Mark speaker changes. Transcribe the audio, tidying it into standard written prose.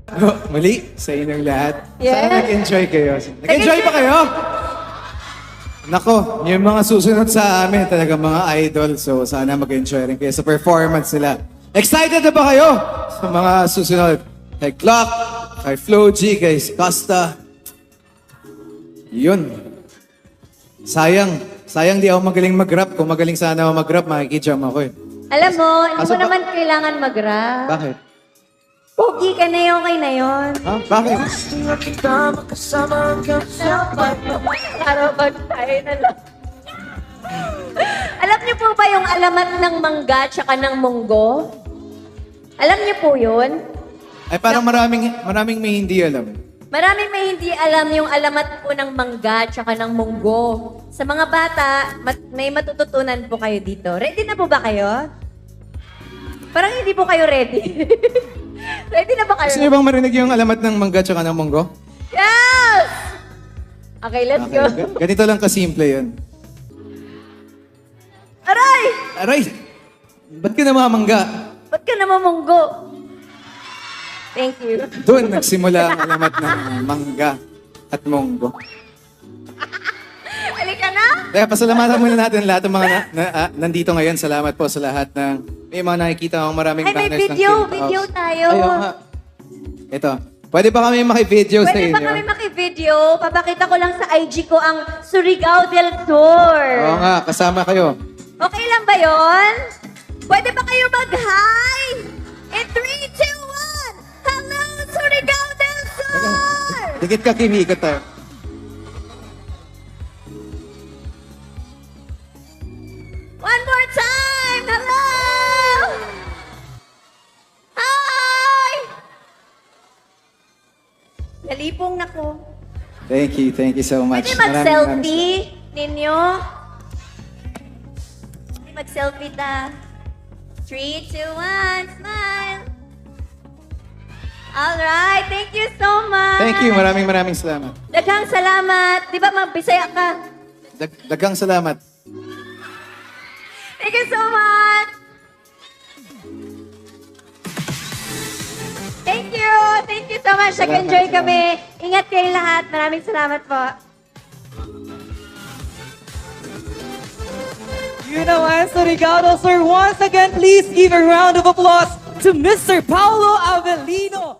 Speaker 1: Muli sa inyong lahat.
Speaker 2: Yes.
Speaker 1: Sana nag-enjoy kayo. Nag-enjoy pa kayo? Nako, yung mga susunod sa amin, talaga mga idol. So, sana mag-enjoy rin kayo sa performance nila. Excited na ba kayo sa mga susunod? Kay Clock, kay Flo G, kay Costa. Yun. Sayang di ako magaling mag-rap. Kung magaling sana ako mag-rap, makikijam ako eh.
Speaker 2: Alam mo, hindi
Speaker 1: Kaso
Speaker 2: mo
Speaker 1: ba-
Speaker 2: naman kailangan mag-rap.
Speaker 1: Bakit?
Speaker 2: Pogi ka na yun, okay na yun.
Speaker 1: Ha? Bakit?
Speaker 2: Harapan tayo na lang. Alam niyo po ba yung alamat ng mangga tsaka ng munggo? Alam niyo po yun?
Speaker 1: Ay parang maraming may hindi alam.
Speaker 2: Maraming may hindi alam yung alamat po ng mangga tsaka ng munggo. Sa mga bata, may matututunan po kayo dito. Ready na po ba kayo? Parang hindi po kayo ready. Ready na ba kayo?
Speaker 1: Gusto niyo bang marinig yung alamat ng mangga tsaka ng munggo?
Speaker 2: Yes! Okay, let's go.
Speaker 1: Ganito lang kasimple yun.
Speaker 2: Aray!
Speaker 1: Aray! Ba't ka namamangga?
Speaker 2: Ba't ka namamunggo? Thank you.
Speaker 1: Doon nagsimula ang alamat ng mangga at munggo.
Speaker 2: Halika na!
Speaker 1: Kaya pasalamatan muna natin lahat ng mga nandito ngayon. Salamat po sa lahat ng may mga nakikita akong maraming
Speaker 2: Ay, may
Speaker 1: banners ng
Speaker 2: video.
Speaker 1: Kim
Speaker 2: Video
Speaker 1: House.
Speaker 2: tayo.
Speaker 1: Ayaw nga. Ito. Pwede ba kami maki-video sa
Speaker 2: Pwede
Speaker 1: inyo?
Speaker 2: ba kami maki-video? Papakita ko lang sa IG ko ang Surigao del Sur.
Speaker 1: Oo nga, kasama kayo.
Speaker 2: Okay lang ba yon? Pwede ba kayo mag-hi? In 3, 2, 1! Hello, Surigao del Sur!
Speaker 1: Dikit ka, Kim. Ikot tayo.
Speaker 2: One more time! Hello! Hi! Nalipong na ko.
Speaker 1: Thank you so much.
Speaker 2: Pwede
Speaker 1: Maraming
Speaker 2: mag-selfie ninyo? Pwede mag-selfie ta. 3, 2, 1, smile! Alright, thank you so much!
Speaker 1: Thank you. Maraming salamat.
Speaker 2: Daghang salamat. Di ba magbisaya ka?
Speaker 1: Dagang salamat.
Speaker 2: Thank you so much! Thank you! Thank you so much! Nag-enjoy kami. Ingat kayo lahat. Maraming salamat po.
Speaker 3: You know, Surigao, sir, once again, please give a round of applause to Mr. Paulo Avellino.